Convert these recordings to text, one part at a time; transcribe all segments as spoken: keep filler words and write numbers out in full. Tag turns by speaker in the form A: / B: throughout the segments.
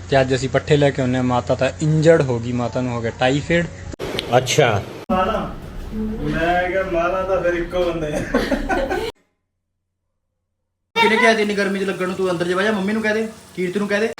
A: ਤੇ ਅੱਜ ਅਸੀਂ ਪੱਠੇ ਲੈ ਕੇ ਆਉਂਦੇ ਹਾਂ। ਮਾਤਾ ਤਾਂ ਇੰਜਰਡ ਹੋ ਗਈ, ਮਾਤਾ ਨੂੰ ਹੋ ਗਿਆ ਟਾਈਫਾਇਡ। ਅੱਛਾ
B: ਮਾਲਾ ਮੈਂ ਕਿਹਾ ਮਾਲਾ ਤਾਂ ਫਿਰ ਇੱਕੋ ਬੰਦੇ ਆ।
C: ਕਿਹਨੇ ਕਿਹਾ ਇੰਨੀ ਗਰਮੀ 'ਚ ਲੱਗਣ ਨੂੰ? ਤੂੰ ਅੰਦਰ ਜਾ ਜਾ, ਮੰਮੀ ਨੂੰ ਕਹਿ ਦੇ, ਕੀਰਤ ਨੂੰ ਕਹਿ ਦੇ।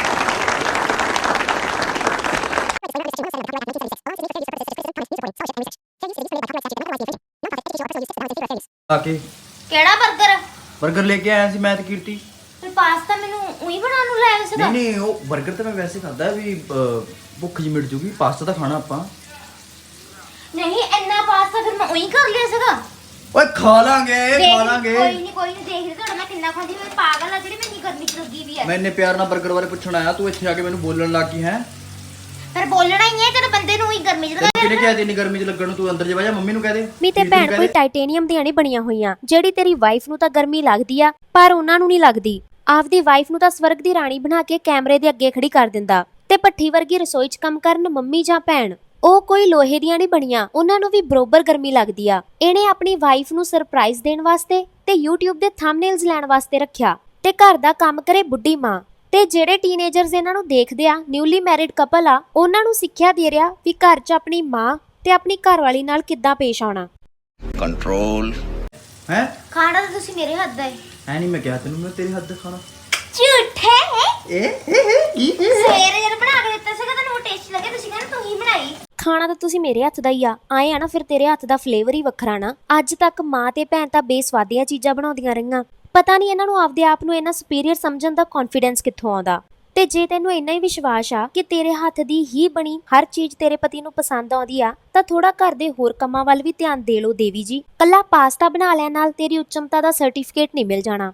C: ਆ ਕੇ
D: ਕਿਹੜਾ 버ਗਰ
C: 버ਗਰ ਲੈ ਕੇ ਆਇਆ ਸੀ ਮੈਂ ਤੇ ਕੀਰਤੀ।
D: ਤੇ ਪਾਸਤਾ ਮੈਨੂੰ ਉਹੀ ਬਣਾਉਣ ਨੂੰ ਲੈ ਆਇਆ ਸੀਗਾ।
C: ਨਹੀਂ ਨਹੀਂ ਉਹ 버ਗਰ ਤਾਂ ਮੈਂ ਵੈਸੇ ਖਾਦਾ ਵੀ ਅਹ, ਭੁੱਖ ਜੀ ਮਿਟ ਜੂਗੀ। ਪਾਸਤਾ ਤਾਂ ਖਾਣਾ ਆਪਾਂ।
D: ਨਹੀਂ ਇੰਨਾ ਪਾਸਤਾ ਫਿਰ ਮੈਂ ਉਹੀ ਕਰ ਲਿਆ ਸੀਗਾ।
C: ਓਏ ਖਾ ਲਾਂਗੇ ਖਾ ਲਾਂਗੇ।
D: ਕੋਈ ਨਹੀਂ ਕੋਈ ਨਹੀਂ ਦੇਖਦੇ ਤੁਹਾਡਾ ਮੈਂ ਕਿੰਨਾ ਖਾਂਦੀ। ਮੈਂ ਪਾਗਲ ਆ ਜਿਹੜੀ ਮੈਂ ਇੰਨੀ ਗਰਮੀ ਚ ਲੱਗੀ ਵੀ ਆ।
C: ਮੈਂ ਇੰਨੇ ਪਿਆਰ ਨਾਲ 버ਗਰ ਬਾਰੇ ਪੁੱਛਣ ਆਇਆ, ਤੂੰ ਇੱਥੇ ਆ ਕੇ ਮੈਨੂੰ ਬੋਲਣ ਲੱਗ ਗਈ ਹੈ।
D: ਫਿਰ ਬੋਲਣਾ ਹੀ ਹੈ ਤੇਰੇ ਬੰਦੇ ਨੂੰ ਹੀ ਗਰਮੀ ਚ ਲੱਗਾ।
C: ਕਿਹਨੇ ਕਿਹਾ ਇੰਨੀ ਗਰਮੀ 'ਚ ਲੱਗਣ ਨੂੰ? ਤੂੰ ਅੰਦਰ ਜਾ ਜਾ, ਮੰਮੀ ਨੂੰ ਕਹਿ ਦੇ।
E: ਮੀ ਤੇ ਭੈਣ ਕੋਈ ਟਾਈਟੇਨੀਅਮ ਦੀਆਂ ਨਹੀਂ ਬਣੀਆਂ ਹੋਈਆਂ ਜਿਹੜੀ ਤੇਰੀ ਵਾਈਫ ਨੂੰ ਤਾਂ ਗਰਮੀ ਲੱਗਦੀ ਆ ਪਰ ਉਹਨਾਂ ਨੂੰ ਨਹੀਂ ਲੱਗਦੀ। ਆਪਦੀ ਵਾਈਫ ਨੂੰ ਤਾਂ ਸਵਰਗ ਦੀ ਰਾਣੀ ਬਣਾ ਕੇ ਕੈਮਰੇ ਦੇ ਅੱਗੇ ਖੜੀ ਕਰ ਦਿੰਦਾ ਤੇ ਭੱਠੀ ਵਰਗੀ ਰਸੋਈ 'ਚ ਕੰਮ ਕਰਨ ਮੰਮੀ ਜਾਂ ਭੈਣ, ਉਹ ਕੋਈ ਲੋਹੇ ਦੀਆਂ ਨਹੀਂ ਬਣੀਆਂ, ਉਹਨਾਂ ਨੂੰ ਵੀ ਬਰੋਬਰ ਗਰਮੀ ਲੱਗਦੀ ਆ। ਇਹਨੇ ਆਪਣੀ ਵਾਈਫ ਨੂੰ ਸਰਪ੍ਰਾਈਜ਼ ਦੇਣ ਵਾਸਤੇ ਤੇ YouTube ਦੇ ਥੰਬਨੇਲਸ ਲੈਣ ਵਾਸਤੇ ਰੱਖਿਆ ਤੇ ਘਰ ਦਾ ਕੰਮ ਕਰੇ ਬੁੱਢੀ ਮਾਂ। ਤੇ ਜਿਹੜੇ ਟੀਨੇਜਰਸ ਇਹਨਾਂ ਨੂੰ ਦੇਖਦੇ ਆ, ਨਿਊਲੀ ਮੈਰਿਡ ਕਪਲ ਆ, ਉਹਨਾਂ ਨੂੰ ਸਿੱਖਿਆ ਦੇ ਰਿਹਾ ਵੀ ਘਰ 'ਚ ਆਪਣੀ ਮਾਂ ਤੇ ਆਪਣੀ ਘਰਵਾਲੀ ਨਾਲ ਕਿੱਦਾਂ ਪੇਸ਼ ਆਉਣਾ।
C: ਕੰਟਰੋਲ ਹੈ
D: ਖਾਣਾ ਤਾਂ ਤੁਸੀਂ ਮੇਰੇ ਹੱਥ ਦਾ ਹੈ।
C: ਐ ਨਹੀਂ ਮੈਂ ਕਿਹਾ ਤੈਨੂੰ ਮੈਂ ਤੇਰੇ ਹੱਥ ਦਾ ਖਾਣਾ।
D: ਝੂਠੇ
C: ਏ ਕੀ
D: ਸਵੇਰੇ ਜਦ ਬਣਾ ਕੇ ਦਿੱਤਾ ਸੀਗਾ ਤੁਹਾਨੂੰ ਟੇਸਟ ਲੱਗੇ, ਤੁਸੀਂ ਕਹਿੰਦੇ ਤੂੰ ਹੀ ਬਣਾਈ।
E: ਖਾਣਾ ਤਾਂ ਤੁਸੀਂ ਮੇਰੇ ਹੱਥ ਦਾ ਹੀ ਆ, ਆਏ ਆ ਨਾ ਫਿਰ ਤੇਰੇ ਹੱਥ ਦਾ ਫਲੇਵਰ ਹੀ ਵੱਖਰਾ ਨਾ। ਅੱਜ ਤੱਕ ਮਾਂ ਤੇ ਭੈਣ ਤਾਂ ਬੇਸਵਾਦੀਆਂ ਚੀਜ਼ਾਂ ਬਣਾਉਂਦੀਆਂ ਰਹੀਆਂ, ਪਤਾ ਨਹੀਂ ਇਹਨਾਂ ਨੂੰ ਆਪਦੇ ਆਪ ਨੂੰ ਇੰਨਾ ਸੁਪੀਰੀਅਰ ਸਮਝਣ ਦਾ ਕੌਨਫੀਡੈਂਸ ਕਿੱਥੋਂ ਆਉਂਦਾ। ਤੇ ਜੇ ਤੈਨੂੰ ਇੰਨਾ ਹੀ ਵਿਸ਼ਵਾਸ ਆ ਕਿ ਤੇਰੇ ਹੱਥ ਦੀ ਹੀ ਬਣੀ ਹਰ ਚੀਜ਼ ਤੇਰੇ ਪਤੀ ਨੂੰ ਪਸੰਦ ਆਉਂਦੀ ਆ ਤਾਂ ਥੋੜਾ ਘਰ ਦੇ ਹੋਰ ਕੰਮਾਂ ਵੱਲ ਵੀ ਧਿਆਨ ਦੇ ਲਓ ਦੇਵੀ ਜੀ। ਕੱਲਾ ਪਾਸਤਾ ਬਣਾ ਲੈਣ ਨਾਲ ਤੇਰੀ ਉੱਚਮਤਾ ਦਾ ਸਰਟੀਫਿਕੇਟ ਨਹੀਂ ਮਿਲ ਜਾਣਾ।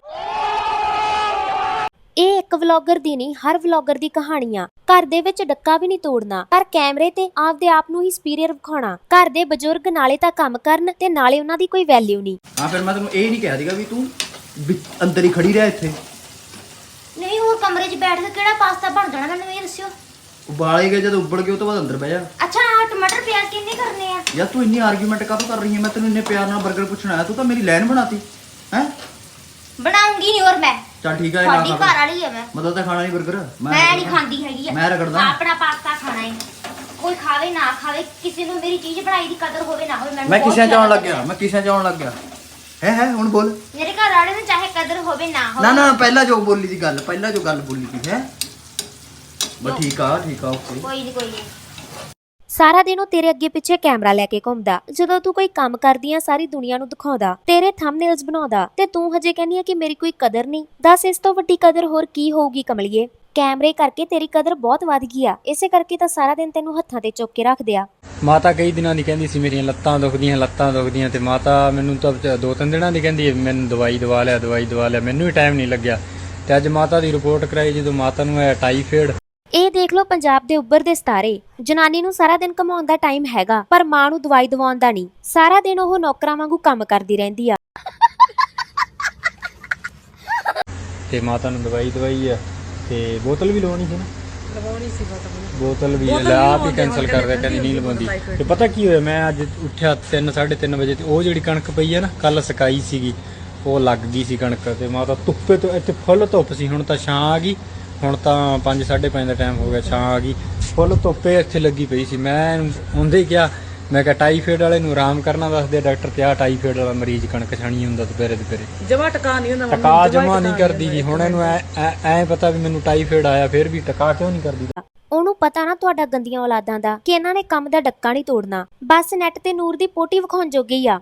E: ਇਹ ਇੱਕ ਵਲੌਗਰ ਦੀ ਨਹੀਂ, ਹਰ ਵਲੌਗਰ ਦੀ ਕਹਾਣੀ ਆ। ਘਰ ਦੇ ਵਿੱਚ ਡੱਕਾ ਵੀ ਨਹੀਂ ਤੋੜਨਾ ਪਰ ਕੈਮਰੇ ਤੇ ਆਪਦੇ ਆਪ ਨੂੰ ਹੀ ਸੁਪੀਰੀਅਰ ਵਿਖਾਉਣਾ। ਘਰ ਦੇ ਬਜ਼ੁਰਗ ਨਾਲੇ ਤਾਂ ਕੰਮ ਕਰਨ ਤੇ ਨਾਲੇ ਉਹਨਾਂ ਦੀ ਕੋਈ ਵੈਲਿਊ ਨਹੀਂ।
C: ਹਾਂ ਫਿਰ ਮੈਂ ਤੈਨੂੰ ਇਹ ਨਹੀਂ ਕਹਿ ਦੀਗਾ ਵੀ ਤੂੰ ਅੰਦਰ ਹੀ ਖੜੀ ਰਹਿ ਇੱਥੇ।
D: ਨਹੀਂ ਹੋਰ ਕਮਰੇ 'ਚ ਬੈਠ ਕੇ ਕਿਹੜਾ ਪਾਸਤਾ ਬਣ ਜਾਣਾ ਮੈਨੂੰ ਇਹ ਦੱਸਿਓ।
C: ਉਬਾਲੇ ਗਏ ਜਦੋਂ ਉੱਬਲ ਗਏ ਉਹ ਤੋਂ ਬਾਅਦ ਅੰਦਰ ਬਹਿ ਜਾ।
D: ਅੱਛਾ ਆਹ ਟਮਾਟਰ ਪਿਆਜ਼ ਕਿੰਨੇ ਕਰਨੇ ਆ?
C: ਯਾਰ ਤੂੰ ਇੰਨੀ ਆਰਗੂਮੈਂਟ ਕਾਹਤੋਂ ਕਰ ਰਹੀ ਹੈ? ਮੈਂ ਤੈਨੂੰ ਇੰਨੇ ਪਿਆਰ ਨਾਲ 버ਗਰ ਪੁੱਛਣ ਆਇਆ, ਤੂੰ ਤਾਂ ਮੇਰੀ ਲਾਈਨ ਬਣਾਤੀ ਹੈ।
D: ਬਣਾਉਂਗੀ ਨਹੀਂ ਹੋਰ ਮੈਂ।
C: ਚੱਲ ਠੀਕ ਹੈ
D: ਤੁਹਾਡੀ ਘਰ ਵਾਲੀ ਆ ਮੈਂ।
C: ਮਤਲਬ ਤਾਂ ਖਾਣਾ ਨਹੀਂ 버ਗਰ।
D: ਮੈਂ ਨਹੀਂ ਖਾਂਦੀ ਹੈਗੀ ਆ।
C: ਮੈਂ ਰਗੜਦਾ
D: ਆਪਣਾ ਪਾਸਤਾ ਖਾਣਾ ਹੈ। ਕੋਈ ਖਾਵੇ ਨਾ ਖਾਵੇ, ਕਿਸੇ ਨੂੰ ਮੇਰੀ ਚੀਜ਼ ਬਣਾਈ ਦੀ ਕਦਰ ਹੋਵੇ ਨਾ ਹੋਵੇ।
C: ਮੈਂ ਕਿਸੇ ਚ ਆਉਣ ਲੱਗ ਗਿਆ ਮੈਂ ਕਿਸੇ ਚ ਆਉਣ ਲੱਗ ਗਿਆ ਹੈ ਹੈ ਹੁਣ ਬੋਲ।
D: ਮੇਰੇ ਘਰ ਵਾਲੇ ਨੂੰ ਚਾਹੇ ਕਦਰ ਹੋਵੇ ਨਾ ਹੋਵੇ।
C: ਨਾ ਨਾ ਪਹਿਲਾਂ ਜੋ ਬੋਲੀ ਦੀ ਗੱਲ ਪਹਿਲਾਂ ਜੋ ਗੱਲ ਬੋਲੀ ਦੀ ਹੈ ਬਸ ਠੀਕ ਆ ਠੀਕ ਆ ਓਕੇ।
D: ਕੋਈ ਨਹੀਂ ਕੋਈ ਨਹੀਂ।
E: ਸਾਰਾ ਦਿਨ ਉਹ ਤੇਰੇ ਅੱਗੇ ਪਿੱਛੇ ਕੈਮਰਾ ਲੈ ਕੇ ਘੁੰਮਦਾ, ਜਦੋਂ ਤੂੰ ਕੋਈ ਕੰਮ ਕਰਦੀ ਆ ਸਾਰੀ ਦੁਨੀਆ ਨੂੰ ਦਿਖਾਉਂਦਾ, ਤੇਰੇ ਥੰਬਨੇਲਸ ਬਣਾਉਂਦਾ ਤੇ ਤੂੰ ਹਜੇ ਕਹਿੰਦੀ ਆ ਕਿ ਮੇਰੀ ਕੋਈ ਕਦਰ ਨਹੀਂ। ਦੱਸ ਇਸ ਤੋਂ ਵੱਡੀ ਕਦਰ ਹੋਰ ਕੀ ਹੋਊਗੀ ਕਮਲੀਏ? ਕੈਮਰੇ ਕਰਕੇ ਤੇਰੀ ਕਦਰ ਬਹੁਤ ਵੱਧ ਗਈ ਆ, ਇਸੇ ਕਰਕੇ ਤਾਂ ਸਾਰਾ ਦਿਨ ਤੈਨੂੰ ਹੱਥਾਂ ਤੇ ਚੁੱਕ ਕੇ ਰੱਖਦੇ ਆ।
A: ਮਾਤਾ ਕਈ ਦਿਨਾਂ ਦੀ ਕਹਿੰਦੀ ਸੀ ਮੇਰੀਆਂ ਲੱਤਾਂ ਦੁਖਦੀਆਂ ਲੱਤਾਂ ਦੁਖਦੀਆਂ ਤੇ ਮਾਤਾ ਮੈਨੂੰ ਤਾਂ ਦੋ ਤਿੰਨ ਦਿਨਾਂ ਦੀ ਕਹਿੰਦੀ ਮੈਨੂੰ ਦਵਾਈ ਦਵਾ ਲਿਆ ਦਵਾਈ ਦਵਾ ਲਿਆ, ਮੈਨੂੰ ਵੀ ਟਾਈਮ ਨਹੀਂ ਲੱਗਿਆ। ਤੇ ਅੱਜ ਮਾਤਾ ਦੀ ਰਿਪੋਰਟ ਕਰਾਈ ਜਦੋਂ ਮਾਤਾ ਨੂੰ ਹੈ ਟਾਈਫਾਇਡ।
E: ਇਹ ਦੇਖ ਲਓ ਪੰਜਾਬ ਦੇ ਉੱਭਰਦੇ ਸਿਤਾਰੇ। ਜਨਾਨੀ ਨੂੰ ਸਾਰਾ ਦਿਨ ਕਮਾਉਣ ਦਾ ਟਾਈਮ ਹੈਗਾ ਪਰ ਮਾਂ ਨੂੰ ਦਵਾਈ ਦਵਾਉਣ ਦਾ ਨਹੀਂ। ਸਾਰਾ ਦਿਨ ਉਹ ਨੌਕਰਾਂ ਵਾਂਗੂ ਕੰਮ ਕਰਦੀ ਰਹਿੰਦੀ ਆ।
A: ਤੇ ਮਾਤਾ ਨੂੰ ਦਵਾਈ ਦਵਾਈ ਆ ਤੇ ਬੋਤਲ ਵੀ ਲਵਾਉਣੀ ਸੀ ਨਾ।
F: ਲਵਾਉਣੀ ਸੀ ਬੋਤਲ
A: ਬੋਤਲ ਵੀ ਆਪ ਹੀ ਕੈਂਸਲ ਕਰ ਦਿਆ, ਕਹਿੰਦੀ ਨਹੀਂ ਲਵਾਉਂਦੀ। ਤੇ ਪਤਾ ਕੀ ਹੋਇਆ, ਮੈਂ ਅੱਜ ਉੱਠਿਆ ਤਿੰਨ ਸਾਢੇ ਤਿੰਨ ਵਜੇ ਤੇ ਉਹ ਜਿਹੜੀ ਕਣਕ ਪਈ ਆ ਨਾ ਕੱਲ ਸਕਾਈ ਸੀਗੀ ਉਹ ਲੱਗ ਗਈ ਸੀ ਕਣਕ। ਤੇ ਮਾਤਾ ਧੁੱਪੇ ਤੋਂ ਇੱਥੇ ਫੁੱਲ ਧੁੱਪ ਸੀ, ਹੁਣ ਤਾਂ ਛਾਂ ਆ ਗਈ। ਹੁਣ ਤਾਂ ਪੰਜ ਸਾਢੇ ਪੰਜ ਦਾ ਟਾਈਮ ਹੋ ਗਿਆ, ਛਾਂ ਆ ਗਈ। ਫੁੱਲ ਧੁੱਪੇ ਇੱਥੇ ਲੱਗੀ ਪਈ ਸੀ। ਮੈਂ ਹੁੰਦੇ ਹੀ ਕਿਹਾ, ਮੈਂ ਕਿਹਾ ਟਾਈਫਾਇਡ ਵਾਲੇ ਨੂੰ ਆਰਾਮ ਕਰਨਾ ਦੱਸਦੇ ਡਾਕਟਰ ਤੇ ਆ ਟਾਈਫਾਇਡ ਵਾਲਾ ਮਰੀਜ਼ ਕਣਕ ਛਾਣੀ ਹੁੰਦਾ ਦੁਪਹਿਰੇ ਦੁਪਹਿਰੇ
F: ਜਮਾ ਟਕਾ ਨਹੀਂ ਹੁੰਦਾ।
A: ਟਕਾ ਜਮਾ ਨਹੀਂ ਕਰਦੀ ਜੀ। ਹੁਣ ਇਹਨੂੰ ਐ ਐ ਪਤਾ ਵੀ ਮੈਨੂੰ ਟਾਈਫਾਇਡ ਆਇਆ ਫਿਰ ਵੀ ਟਕਾ ਕਿਉਂ ਨਹੀਂ ਕਰਦੀ?
E: ਉਹਨੂੰ ਪਤਾ ਨਾ ਤੁਹਾਡਾ ਗੰਦੀਆਂ ਔਲਾਦਾਂ ਦਾ ਕਿ ਇਹਨਾਂ ਨੇ ਕੰਮ ਦਾ ਡੱਕਾ ਨਹੀਂ ਤੋੜਨਾ, ਬਸ ਨੈਟ ਤੇ ਨੂਰ ਦੀ ਪੋਟੀ ਵਿਖਾਉਣ ਜੋਗੇ ਹੀ ਆ।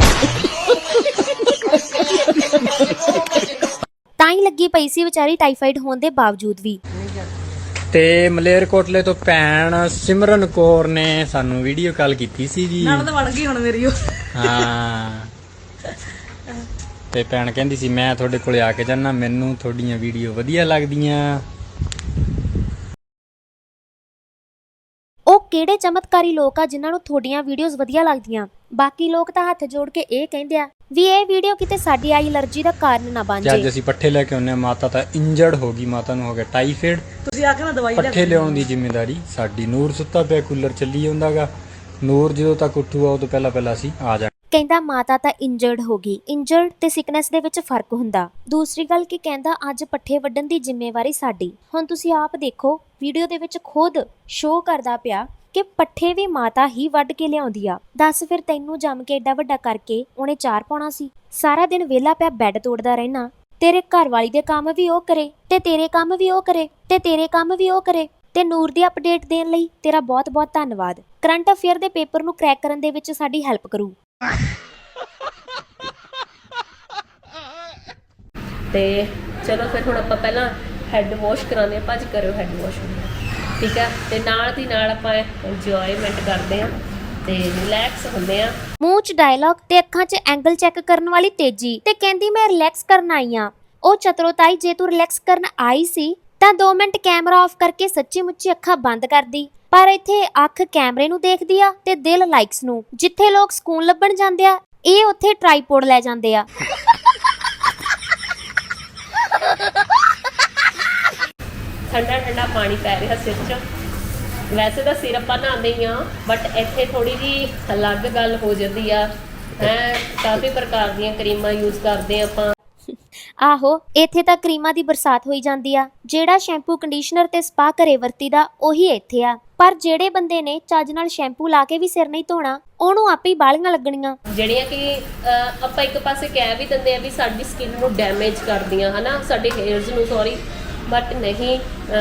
E: ਤਾਂ ਹੀ ਲੱਗੀ ਪਈ ਸੀ ਵਿਚਾਰੀ ਟਾਈਫਾਇਡ ਹੋਣ ਦੇ ਬਾਵਜੂਦ ਵੀ।
A: ਤੇ ਮਲੇਰਕੋਟਲੇ ਤੋਂ ਭੈਣ ਸਿਮਰਨ ਕੌਰ ਨੇ ਸਾਨੂੰ ਵੀਡੀਓ ਕਾਲ ਕੀਤੀ ਸੀ ਜੀ।
F: ਨਾਲ ਤਾਂ ਬਣ ਗਈ ਹੁਣ ਮੇਰੀ ਉਹ।
A: ਹਾਂ ਤੇ ਭੈਣ ਕਹਿੰਦੀ ਸੀ ਮੈਂ ਤੁਹਾਡੇ ਕੋਲੇ ਆ ਕੇ ਜਾਣਾ, ਮੈਨੂੰ ਤੁਹਾਡੀਆਂ ਵੀਡੀਓ ਵਧੀਆ ਲੱਗਦੀਆਂ।
E: ਉਹ ਕਿਹੜੇ ਚਮਤਕਾਰੀ ਲੋਕ ਆ ਜਿਨ੍ਹਾਂ ਨੂੰ ਤੁਹਾਡੀਆਂ ਵੀਡੀਓਜ਼ ਵਧੀਆ ਲੱਗਦੀਆਂ? ਬਾਕੀ ਲੋਕ ਤਾਂ ਹੱਥ ਜੋੜ ਕੇ ਇਹ ਕਹਿੰਦੇ ਆ ਵੀ ਇਹ ਵੀਡੀਓ ਕਿਤੇ ਸਾਡੀ ਆਈ ਅਲਰਜੀ ਦਾ ਕਾਰਨ ਨਾ ਬਣ ਜਾਏ।
A: ਅੱਜ ਅਸੀਂ ਪੱਠੇ ਲੈ ਕੇ ਆਉਂਦੇ ਹਾਂ, ਮਾਤਾ ਤਾਂ ਇੰਜਰਡ ਹੋ ਗਈ, ਮਾਤਾ ਨੂੰ ਹੋ ਗਿਆ ਟਾਈਫਾਇਡ।
F: ਤੁਸੀਂ ਆਖਿਆ ਨਾ ਦਵਾਈ ਲੈ
A: ਪੱਠੇ ਲਿਆਉਣ ਦੀ ਜ਼ਿੰਮੇਵਾਰੀ ਸਾਡੀ। ਨੂਰ ਸੁੱਤਾ ਪਿਆ, ਕੂਲਰ ਚੱਲੀ ਜਾਂਦਾਗਾ। ਨੂਰ ਜਦੋਂ ਤੱਕ ਉੱਠੂਗਾ ਉਹ ਤੋਂ ਪਹਿਲਾਂ ਪਹਿਲਾਂ ਅਸੀਂ ਆ ਜਾ।
E: ਕਹਿੰਦਾ ਮਾਤਾ ਤਾਂ ਇੰਜਰਡ ਹੋ ਗਈ। ਇੰਜਰਡ ਤੇ ਸਿਕਨੈਸ ਦੇ ਵਿੱਚ ਫਰਕ ਹੁੰਦਾ। ਦੂਸਰੀ ਗੱਲ ਕਿ ਕਹਿੰਦਾ ਅੱਜ ਪੱਠੇ ਵੱਢਣ ਦੀ ਜ਼ਿੰਮੇਵਾਰੀ ਸਾਡੀ। ਹੁਣ ਤੁਸੀਂ ਆਪ ਦੇਖੋ ਵੀਡੀਓ ਦੇ ਵਿੱਚ ਖੁਦ ਸ਼ੋਅ ਕਰਦਾ ਪਿਆ ਕਿ ਪੱਠੇ ਵੀ ਮਾਤਾ ਹੀ ਵੱਢ ਕੇ ਲਿਆਉਂਦੀ ਆ। ਦੱਸ ਫਿਰ ਤੈਨੂੰ ਜੰਮ ਕੇ ਏਡਾ ਵੱਡਾ ਕਰਕੇ ਉਹਨੇ ਚਾਰ ਪਾਉਣਾ ਸੀ? ਸਾਰਾ ਦਿਨ ਵਿਹਲਾ ਪਿਆ ਬੈੱਡ ਤੋੜਦਾ ਰਹਿਣਾ। ਤੇਰੇ ਘਰ ਵਾਲੀ ਦੇ ਕੰਮ ਵੀ ਉਹ ਕਰੇ ਤੇ ਤੇਰੇ ਕੰਮ ਵੀ ਉਹ ਕਰੇ ਤੇ ਤੇਰੇ ਕੰਮ ਵੀ ਉਹ ਕਰੇ। ਤੇ ਨੂਰ ਦੀ ਅਪਡੇਟ ਦੇਣ ਲਈ ਤੇਰਾ ਬਹੁਤ ਬਹੁਤ ਧੰਨਵਾਦ। ਕਰੰਟ ਅਫੇਅਰ ਦੇ ਪੇਪਰ ਨੂੰ ਕਰੈਕ ਕਰਨ ਦੇ ਵਿੱਚ ਸਾਡੀ ਹੈਲਪ ਕਰੂ।
G: ਤੇ ਚਲੋ ਫਿਰ ਹੁਣ ਆਪਾਂ ਪਹਿਲਾਂ ਹੈੱਡ ਵਾਸ਼ ਕਰਾਉਂਦੇ ਹਾਂ। ਭੱਜ ਕਰਿਓ ਹੈੱਡ ਵਾਸ਼, ਠੀਕ ਹੈ। ਤੇ ਨਾਲ ਦੀ ਨਾਲ ਆਪਾਂ ਇੰਜੋਇਮੈਂਟ ਕਰਦੇ ਹਾਂ ਤੇ ਰਿਲੈਕਸ ਹੁੰਦੇ ਆ।
E: ਮੂੰਹ 'ਚ ਡਾਇਲੌਗ ਤੇ ਅੱਖਾਂ 'ਚ ਐਂਗਲ ਚੈੱਕ ਕਰਨ ਵਾਲੀ ਤੇਜੀ ਤੇ ਕਹਿੰਦੀ ਮੈਂ ਰਿਲੈਕਸ ਕਰਨ ਆਈ ਆ। ਉਹ ਚਤਰੋਤਾਈ ਜੇ ਤੂੰ ਰਿਲੈਕਸ ਕਰਨ ਆਈ ਸੀ ਤਾਂ ਦੋ ਮਿੰਟ ਕੈਮਰਾ ਆਫ ਕਰਕੇ ਸੱਚੀ ਮੁੱਚੀ ਅੱਖਾਂ ਬੰਦ ਕਰਦੀ। ਪਰ ਇੱਥੇ ਅੱਖ ਕੈਮਰੇ ਨੂੰ ਦੇਖਦੀ ਆ ਤੇ ਦਿਲ ਲਾਈਕਸ ਨੂੰ। ਜਿੱਥੇ ਲੋਕ ਸਕੂਨ ਲੱਭਣ ਜਾਂਦੇ ਆ ਇਹ ਉੱਥੇ ਟ੍ਰਾਈਪੋਡ ਲੈ ਜਾਂਦੇ ਆ।
G: ਠੰਡਾ ਠੰਡਾ ਪਾਣੀ ਪੈ ਰਿਹਾ ਸਿਰ 'ਚ। ਵੈਸੇ ਤਾਂ ਸਿਰ ਆਪਾਂ ਨਹਾਉਂਦੇ ਹੀ ਆ, ਬਟ ਇੱਥੇ ਥੋੜੀ ਜਿਹੀ ਅਲੱਗ ਗੱਲ ਹੋ ਜਾਂਦੀ ਆ। ਹੈ ਕਾਫੀ ਪ੍ਰਕਾਰ ਦੀਆਂ ਕਰੀਮਾਂ ਯੂਜ਼ ਕਰਦੇ ਆ ਆਪਾਂ।
E: ਆਹੋ ਇੱਥੇ ਤਾਂ ਕਰੀਮਾਂ ਦੀ ਬਰਸਾਤ ਹੋਈ ਜਾਂਦੀ ਆ। ਜਿਹੜਾ ਸ਼ੈਂਪੂ ਕੰਡੀਸ਼ਨਰ ਤੇ ਸਪਾ ਘਰੇ ਵਰਤੀਦਾ ਉਹੀ ਇੱਥੇ ਆ। ਪਰ ਜਿਹੜੇ ਬੰਦੇ ਨੇ ਚੱਜ ਨਾਲ ਸ਼ੈਂਪੂ ਲਾ ਕੇ ਵੀ ਸਿਰ ਨਹੀਂ ਧੋਣਾ ਉਹਨੂੰ ਆਪੇ ਹੀ ਬਾਲੀਆਂ ਲੱਗਣੀਆਂ, ਜਿਹੜੀਆਂ
G: ਕਿ ਆਪਾਂ ਇੱਕ ਪਾਸੇ ਕਹਿ ਵੀ ਦਿੰਦੇ ਆ ਵੀ ਸਾਡੀ ਸਕਿਨ ਨੂੰ ਡੈਮੇਜ ਕਰਦੀਆਂ ਹਨਾ, ਸਾਡੇ ਹੇਅਰਸ ਨੂੰ, ਸੌਰੀ, ਬਟ ਨਹੀਂ,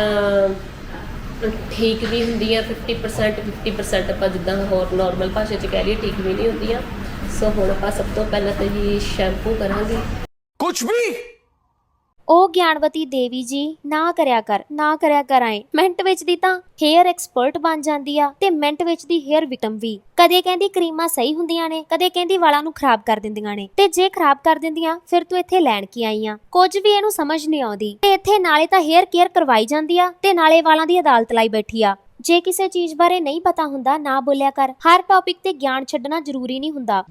G: ਠੀਕ ਵੀ ਹੁੰਦੀਆਂ ਫਿਫਟੀ ਪਰਸੈਂਟ ਫਿਫਟੀ ਪਰਸੈਂਟ ਆਪਾਂ ਜਿੱਦਾਂ ਹੋਰ ਨੋਰਮਲ ਭਾਸ਼ਾ 'ਚ ਕਹਿ ਲਈਏ, ਠੀਕ ਵੀ ਨਹੀਂ ਹੁੰਦੀਆਂ। ਸੋ ਹੁਣ ਆਪਾਂ ਸਭ ਤੋਂ ਪਹਿਲਾਂ ਤਾਂ ਜੀ ਸ਼ੈਂਪੂ ਕਰਾਂਗੇ। ਕੁਛ ਵੀ
E: ਉਹ ਗਿਆਨਵਤੀ ਦੇਵੀ ਜੀ ਨਾ ਕਰਿਆ ਕਰ, ਨਾ ਕਰਿਆ ਕਰ। ਆਏ ਮਿੰਟ ਵਿੱਚ ਦੀ ਤਾਂ ਹੇਅਰ ਐਕਸਪਰਟ ਬਣ ਜਾਂਦੀ ਆ ਤੇ ਮਿੰਟ ਵਿੱਚ ਦੀ ਹੇਅਰ ਵਿਕਟਮ ਵੀ। ਕਦੇ ਕਹਿੰਦੀ ਕਰੀਮਾਂ ਸਹੀ ਹੁੰਦੀਆਂ ਨੇ, ਕਦੇ ਕਹਿੰਦੀ ਵਾਲਾਂ ਨੂੰ ਖਰਾਬ ਕਰ ਦਿੰਦੀਆਂ ਨੇ। ਤੇ ਜੇ ਖਰਾਬ ਕਰ ਦਿੰਦੀਆਂ ਫਿਰ ਤੂੰ ਇੱਥੇ ਲੈਣ ਕੀ ਆਈ ਆ? ਕੁਝ ਵੀ ਇਹਨੂੰ ਸਮਝ ਨਹੀਂ ਆਉਂਦੀ। ਤੇ ਇੱਥੇ ਨਾਲੇ ਤਾਂ ਹੇਅਰ ਕੇਅਰ ਕਰਵਾਈ ਜਾਂਦੀ ਆ ਤੇ ਨਾਲੇ ਵਾਲਾਂ ਦੀ ਅਦਾਲਤ ਲਾਈ ਬੈਠੀ ਆ। ਜੇ ਕਿਸੇ ਚੀਜ਼ ਬਾਰੇ ਨਹੀਂ ਪਤਾ ਹੁੰਦਾ ਨਾ ਬੋਲਿਆ ਕਰ। ਹਰ ਟੌਪਿਕ ਤੇ ਗਿਆਨ ਛੱਡਣਾ ਜ਼ਰੂਰੀ ਨਹੀਂ ਹੁੰਦਾ।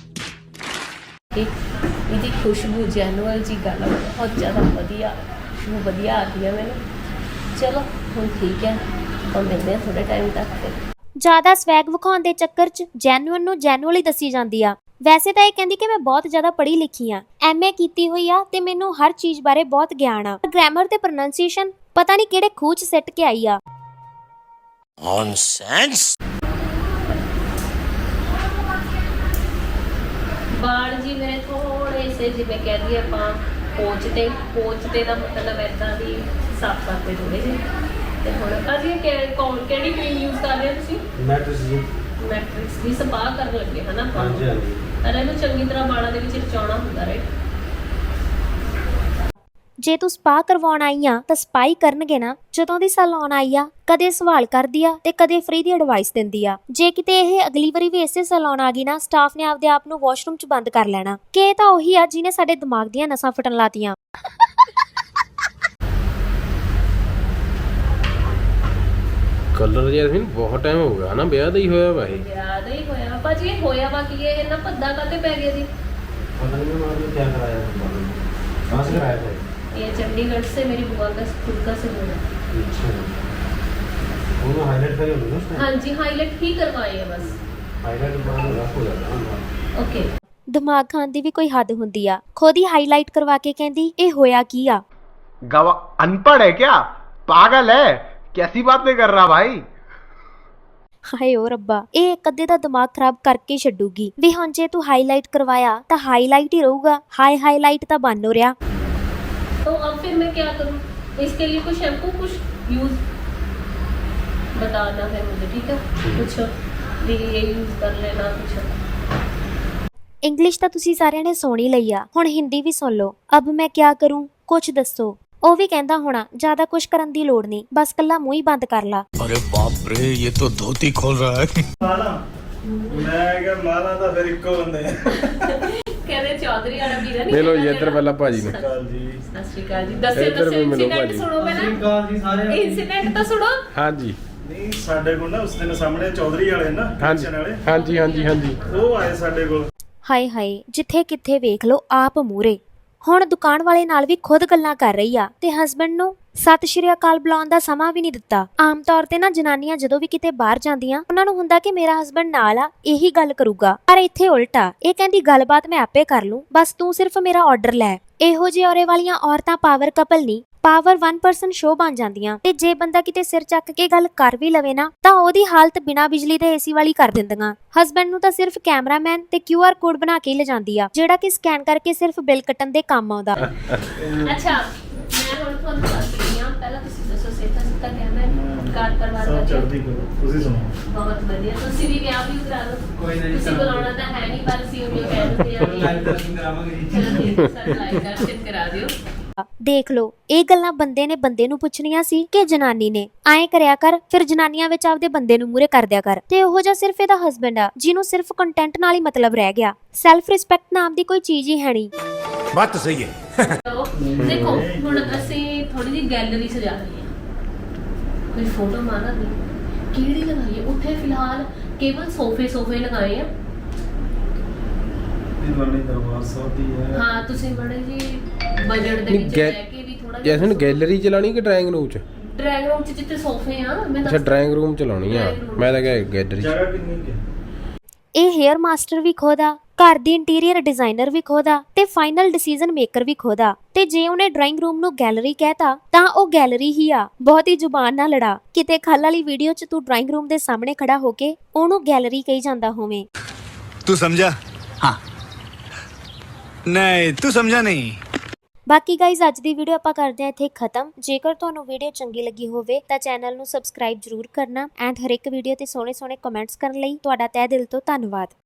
G: ਇਹਦੀ ਖੁਸ਼ਬੂ ਜੈਨੂਅਲ ਜੀ ਗੱਲ ਬਹੁਤ ਜ਼ਿਆਦਾ ਵਧੀਆ, ਖੁਸ਼ਬੂ ਵਧੀਆ ਆਉਂਦੀ ਹੈ ਮੈਨੂੰ। ਚਲੋ ਹੁਣ ਠੀਕ ਹੈ, ਆਪਾਂ ਮਿਲਦੇ ਹਾਂ ਥੋੜੇ ਟਾਈਮ ਤੱਕ। ਫਿਰ
E: ਜ਼ਿਆਦਾ ਸਵੈਗ ਵਿਖਾਉਣ ਦੇ ਚੱਕਰ 'ਚ ਜੈਨੂਅਲ ਨੂੰ ਜੈਨੂਅਲ ਹੀ ਦੱਸੀ ਜਾਂਦੀ ਆ। ਵੈਸੇ ਤਾਂ ਇਹ ਕਹਿੰਦੀ ਕਿ ਮੈਂ ਬਹੁਤ ਜ਼ਿਆਦਾ ਪੜ੍ਹੀ ਲਿਖੀ ਆ, ਐਮ ਏ ਕੀਤੀ ਹੋਈ ਆ ਤੇ ਮੈਨੂੰ ਹਰ ਚੀਜ਼ ਬਾਰੇ ਬਹੁਤ ਗਿਆਨ ਆ। ਗ੍ਰਾਮਰ ਤੇ ਪ੍ਰੋਨੰਸੀਏਸ਼ਨ ਪਤਾ ਨਹੀਂ ਕਿਹੜੇ ਖੂਹ 'ਚ ਸਿੱਟ ਕੇ ਆਈ ਆ।
H: ਨੌਨਸੈਂਸ।
G: ਵਾਲ ਜੀ ਮੇਰੇ ਥੋੜੇ ਸੇ ਜਿਵੇਂ ਕਹਿ ਦਈਏ ਆਪਾਂ ਪੋਚਦੇ ਪੋਚਦੇ ਦਾ ਮਤਲਬ ਇੱਦਾਂ ਦੀ ਸਾਫ਼ ਕਰਦੇ ਥੋੜੇ ਜਿਹੇ। ਤੇ ਹੁਣ ਅਸੀਂ ਕਿ ਕੌਣ ਕਿਹੜੀ ਕਰੀਮ ਯੂਜ਼ ਕਰ ਰਹੇ ਹੋ ਤੁਸੀਂ?
B: ਮੈਟ੍ਰਿਕਸ ਜੀ।
G: ਮੈਟ੍ਰਿਕਸ ਦੀ ਸਪਾ ਕਰਨ ਲੱਗੇ ਹਨਾ ਆਪਾਂ?
B: ਹਾਂਜੀ ਹਾਂਜੀ।
G: ਪਹਿਲਾਂ ਇਹਨੂੰ ਚੰਗੀ ਤਰ੍ਹਾਂ ਵਾਲਾਂ ਦੇ ਵਿੱਚ ਰਚਾਉਣਾ ਹੁੰਦਾ, ਰਾਈਟ?
E: ਜੇ ਤੂੰ ਸਪਾ ਕਰਵਾਉਣ ਆਈ ਆ ਤਾਂ ਸਪਾਈ ਕਰਨਗੇ ਨਾ। ਜਦੋਂ ਦੀ ਸੈਲੂਨ ਆਈ ਆ ਕਦੇ ਸਵਾਲ ਕਰਦੀ ਆ ਤੇ ਕਦੇ ਫ੍ਰੀ ਦੀ ਐਡਵਾਈਸ ਦਿੰਦੀ ਆ। ਜੇ ਕਿਤੇ ਇਹ ਅਗਲੀ ਵਾਰੀ ਵੀ ਇਸੇ ਸੈਲੂਨ ਆ ਗਈ ਨਾ, ਸਟਾਫ ਨੇ ਆਪਦੇ ਆਪ ਨੂੰ ਵਾਸ਼ਰੂਮ 'ਚ ਬੰਦ ਕਰ ਲੈਣਾ ਕਿ ਇਹ ਤਾਂ ਉਹੀ ਆ ਜਿਹਨੇ ਸਾਡੇ ਦਿਮਾਗ ਦੀਆਂ ਨਸਾਂ ਫਟਣ ਲਾਤੀਆਂ।
I: ਕਲਰ ਜੈਸਮੀਨ ਬਹੁਤ ਟਾਈਮ ਹੋ ਗਿਆ ਨਾ, ਵਿਆਹ ਦਾ ਹੀ ਹੋਇਆ ਵਾ ਇਹ।
G: ਵਿਆਹ ਦਾ ਹੀ ਹੋਇਆ ਭਾਜੀ। ਇਹ ਹੋਇਆ ਵਾ ਕੀ ਇਹ ਨਾ ਭੱਦਾ ਕਾਤੇ ਪੈ ਗਿਆ ਜੀ?
B: पता नहीं मैं आपने क्या कराया था, कहाँ से कराया था?
G: ये चंडीगढ़ से मेरी बुआ का खुद का से हुआ।
B: अच्छा, वो मैं हाईलाइट करे होंगे ना उसमें?
G: हाँ जी, हाईलाइट ही करवाए है बस।
B: हाईलाइट बाद में रफ हो जाता है ना।
G: ओके।
E: ਦਿਮਾਗ ਖਾਣ ਦੀ ਵੀ ਕੋਈ ਹੱਦ ਹੁੰਦੀ ਆ। ਖੁਦ ਹੀ ਹਾਈਲਾਈਟ ਕਰਵਾ ਕੇ ਕਹਿੰਦੀ ਇਹ ਹੋਇਆ ਕੀ ਆ?
J: गवा अनपढ़ है क्या? पागल है? कैसी बातें कर रहा भाई?
E: ਹਾਏ ਓ ਰੱਬਾ, ਇਹ ਇੱਕ ਅੱਧੇ ਦਾ ਦਿਮਾਗ ਖਰਾਬ ਕਰਕੇ ਛੱਡੂਗੀ ਵੀ। ਹੁਣ ਜੇ ਤੂੰ ਹਾਈਲਾਈਟ ਕਰਵਾਇਆ ਤਾਂ ਹਾਈਲਾਈਟ ਹੀ ਰਹੂਗਾ, ਹਾਈ ਹਾਈਲਾਈਟ ਤਾਂ ਬਣ ਹੋ ਰਿਹਾ।
G: तो अब फिर मैं क्या करूँ? इसके लिए कुछ शैम्पू कुछ यूज बताना है मुझे, ठीक है? कुछ भी ये यूज कर लेना कुछ।
E: ਇੰਗਲਿਸ਼ ਤਾਂ ਤੁਸੀਂ ਸਾਰਿਆਂ ਨੇ ਸੁਣ ਹੀ ਲਈ ਆ, ਹੁਣ ਹਿੰਦੀ ਵੀ ਸੁਣ ਲਓ। ਅਬ ਮੈਂ ਕਿਆ ਕਰੂੰ, ਕੁਛ ਦੱਸੋ। ਉਹ ਵੀ ਕਹਿੰਦਾ ਹੋਣਾ ਜ਼ਿਆਦਾ ਕੁਛ ਕਰਨ ਦੀ ਲੋੜ ਨਹੀਂ, ਬਸ ਕੱਲਾ ਮੂੰਹ ਹੀ ਬੰਦ ਕਰ ਲਾ।
H: अरे बाप रे, ये तो धोती खोल रहा है।
B: माला मैं क्या माला था फिर इक्को बंदे
G: कहते चौधरी वाला ਵੀਰਾ ਨਹੀਂ।
I: ਮਿਲੋ ਜੀ ਇੱਧਰ ਪਹਿਲਾਂ ਭਾਜੀ ਨੂੰ।
B: काल जी।
G: ਸਤਿ ਸ਼੍ਰੀ ਅਕਾਲ ਜੀ। ਦੱਸਿਓ
I: ਇੱਧਰ
G: ਦੱਸਿਓ
I: ਵੀ ਮਿਲੋ
G: ਇਨਸੀਡੈਂਟ
I: ਭਾਜੀ।
G: ਸੁਣੋ ਪਹਿਲਾਂ।
B: काल जी सारे
G: ਇਨਸੀਡੈਂਟ ਤਾਂ ਸੁਣੋ।
I: ਹਾਂਜੀ
B: ਨਹੀਂ ਸਾਡੇ ਕੋਲ ਨਾ ਉਸ ਦਿਨ ਸਾਹਮਣੇ ਚੌਧਰੀ ਵਾਲੇ ਨਾ
I: ਹਾਂਜੀ
B: kitchen ਵਾਲੇ
I: ਹਾਂਜੀ ਹਾਂਜੀ ਹਾਂਜੀ
B: ਉਹ ਆਏ ਸਾਡੇ ਕੋਲ।
E: ਹਾਏ ਹਾਏ, ਜਿੱਥੇ ਕਿੱਥੇ ਵੇਖ ਲਓ ਆਪ ਮੂਰੇ। ਹੁਣ ਦੁਕਾਨ ਵਾਲੇ ਨਾਲ ਵੀ ਖੁਦ ਗੱਲਾਂ ਕਰ ਰਹੀ ਆ ਤੇ ਹਸਬੈਂਡ ਨੂੰ ਸਤਿ ਸ਼੍ਰੀ ਅਕਾਲ ਬੁਲਾਉਣ ਦਾ ਸਮਾਂ ਵੀ ਨਹੀਂ ਦਿੱਤਾ। ਆਮ ਤੌਰ ਤੇ ਨਾ ਜਨਾਨੀਆਂ ਜਦੋਂ ਵੀ ਕਿਤੇ ਬਾਹਰ ਜਾਂਦੀਆਂ ਉਹਨਾਂ ਨੂੰ ਹੁੰਦਾ ਕਿ ਮੇਰਾ ਹਸਬੰਡ ਨਾਲ ਆ, ਇਹੀ ਗੱਲ ਕਰੂਗਾ, ਪਰ ਇੱਥੇ ਉਲਟਾ। ਇਹ ਕਹਿੰਦੀ ਗੱਲਬਾਤ ਮੈਂ ਆਪੇ ਕਰ ਲੂੰ, ਬਸ ਤੂੰ ਸਿਰਫ ਮੇਰਾ ਆਰਡਰ ਲੈ। ਇਹੋ ਜਿਹੇ ਔਰੇ ਵਾਲੀਆਂ ਔਰਤਾਂ ਪਾਵਰ ਕਪਲ ਨਹੀਂ, ਪਾਵਰ ਵਨ ਪਰਸਨ ਸ਼ੋਅ ਬਣ ਜਾਂਦੀਆਂ। ਤੇ ਜੇ ਬੰਦਾ ਕਿਤੇ ਸਿਰ ਚੱਕ ਕੇ ਗੱਲ ਕਰ ਵੀ ਲਵੇ ਨਾ ਤਾਂ ਉਹਦੀ ਹਾਲਤ ਬਿਨਾਂ ਬਿਜਲੀ ਦੇ ਏਸੀ ਵਾਲੀ ਕਰ ਦਿੰਦੀਆਂ। ਹਸਬੈਂਡ ਨੂੰ ਤਾਂ ਸਿਰਫ ਕੈਮਰਾਮੈਨ ਤੇ ਕਿਊ ਆਰ ਕੋਡ ਬਣਾ ਕੇ ਲਿਜਾਂਦੀ ਆ, ਜਿਹੜਾ ਕਿ ਸਕੈਨ ਕਰਕੇ ਸਿਰਫ ਬਿੱਲ ਕੱਟਣ ਦੇ ਕੰਮ ਆਉਂਦਾ।
G: ਅੱਛਾ ਮੈਂ ਹੁਣ ਤੁਹਾਨੂੰ ਦੱਸ ਰਹੀ ਹਾਂ, ਪਹਿਲਾਂ ਤੁਸੀਂ ਦੱਸੋ ਸਿੱਧਾ ਸਿੱਧਾ ਕਹਿਣਾ ਕਾਰ ਪਰਿਵਾਰ
B: ਸਭ
G: ਵਧੀਆ?
B: ਚੜ੍ਹਦੀ ਕਲਾ, ਤੁਸੀਂ ਸੁਣਾਓ।
G: ਬਹੁਤ ਵਧੀਆ। ਤੁਸੀਂ ਵੀ ਵਿਆਹ ਵੀ ਕਰਾ ਲਓ। ਕੋਈ ਨਹੀਂ, ਤੁਸੀਂ ਬੁਲਾਉਣਾ ਤਾਂ ਹੈ ਨਹੀਂ, ਪਰ ਅਸੀਂ ਉਹਨੂੰ ਕਹਿ ਦਿੰਦੇ ਆ ਲਾਈਵ ਦਰਸ਼ਨ ਕਰਾਵਾਂਗੇ ਜੀ। ਚਲੋ ਠੀਕ ਹੈ ਸਰ, ਲਾਈਵ ਦਰਸ਼ਨ ਕਰਾ ਦਿਓ।
E: ਦੇਖ ਲਓ, ਇਹ ਗੱਲਾਂ ਬੰਦੇ ਨੇ ਬੰਦੇ ਨੂੰ ਪੁੱਛਣੀਆਂ ਸੀ ਕਿ ਜਨਾਨੀ ਨੇ? ਐਂ ਕਰਿਆ ਕਰ, ਫਿਰ ਜਨਾਨੀਆਂ ਵਿੱਚ ਆਪਦੇ ਬੰਦੇ ਨੂੰ ਮੂਰੇ ਕਰ ਦਿਆ ਕਰ। ਤੇ ਉਹੋ ਜਿਹਾ ਸਿਰਫ ਇਹਦਾ ਹਸਬੈਂਡ ਆ ਜਿਹਨੂੰ ਸਿਰਫ ਕੰਟੈਂਟ ਨਾਲ ਹੀ ਮਤਲਬ ਰਹਿ ਗਿਆ। ਸੈਲਫ ਰਿਸਪੈਕਟ ਨਾਮ ਦੀ ਕੋਈ ਚੀਜ਼ ਹੀ ਹੈ ਨਹੀਂ।
H: बात तो सही है।
G: ਦੇਖੋ ਹੁਣ ਅਸੀਂ ਥੋੜੀ ਜਿਹੀ ਗੈਲਰੀ ਸਜਾ ਰਹੀ ਹਾਂ, ਕੋਈ ਫੋਟੋ ਮਾਰਾ ਦੀ ਕਿਹੜੀ ਲਗਾਈਏ? ਉੱਥੇ ਫਿਲਹਾਲ ਕੇਵਲ ਸੋਫੇ ਸੋਫੇ ਲਗਾਏ ਆ।
B: ਇਹ ਵਾਲੀ ਦਰਬਾਰ ਸਾਹਿਬ ਦੀ ਹੈ।
G: ਹਾਂ ਤੁਸੀਂ ਬੜੇ ਜੀ ਬਜਟ ਦੇ
I: ਨਹੀਂ,
G: ਵਿੱਚ
I: ਗੈ-
G: ਲੈ ਕੇ ਵੀ ਥੋੜਾ
I: ਜੈਸਨ ਗੈਲਰੀ ਚਲਾਣੀ ਕਿ ਡਰਾਇੰਗ ਰੂਮ ਚ?
G: ਡਰਾਇੰਗ ਰੂਮ 'ਚ ਜਿੱਥੇ ਸੋਫੇ ਆ ਮੈਂ
I: ਅੱਛਾ
G: ਦੱਸ
I: ਡਰਾਇੰਗ ਰੂਮ ਚ ਲਾਉਣੀ ਆ, ਮੈਂ ਤਾਂ ਕਿਹਾ ਗੈਲਰੀ ਚ।
B: ਜਗ੍ਹਾ ਕਿੰਨੀ ਕੁ ਹੈ?
E: ਇਹ ਹੇਅਰ ਮਾਸਟਰ ਵੀ ਖੋਦਾ, ਘਰ ਦੀ ਇੰਟੀਰੀਅਰ ਡਿਜ਼ਾਈਨਰ ਵੀ ਖੋਦਾ ਤੇ ਫਾਈਨਲ ਡਿਸੀਜਨ ਮੇਕਰ ਵੀ ਖੋਦਾ। ਤੇ ਜੇ ਉਹਨੇ ਡਰਾਇੰਗ ਰੂਮ ਨੂੰ ਗੈਲਰੀ ਕਹਿਤਾ ਤਾਂ ਉਹ ਗੈਲਰੀ ਹੀ ਆ। ਬਹੁਤੀ ਜ਼ੁਬਾਨ ਨਾ ਲੜਾ, ਕਿਤੇ ਖੱਲ ਵਾਲੀ ਵੀਡੀਓ 'ਚ ਤੂੰ ਡਰਾਇੰਗ ਰੂਮ ਦੇ ਸਾਹਮਣੇ ਖੜਾ ਹੋ ਕੇ ਉਹਨੂੰ ਗੈਲਰੀ ਕਹੀ ਜਾਂਦਾ ਹੋਵੇਂ।
H: तू समझा? हाँ नहीं तू समझा नहीं।
E: ਬਾਕੀ ਗਾਈਜ਼ ਅੱਜ ਦੀ ਵੀਡੀਓ ਆਪਾਂ ਕਰਦੇ ਹਾਂ ਇੱਥੇ ਖਤਮ। ਜੇਕਰ ਤੁਹਾਨੂੰ ਵੀਡੀਓ ਚੰਗੀ ਲੱਗੀ ਹੋਵੇ ਤਾਂ ਚੈਨਲ ਨੂੰ ਸਬਸਕ੍ਰਾਈਬ ਜ਼ਰੂਰ ਕਰਨਾ ਐਂਡ ਹਰ ਇੱਕ ਵੀਡੀਓ ਤੇ ਸੋਹਣੇ ਸੋਹਣੇ ਕਮੈਂਟਸ ਕਰਨ ਲਈ ਤੁਹਾਡਾ ਤਹਿ ਦਿਲ ਤੋਂ ਧੰਨਵਾਦ।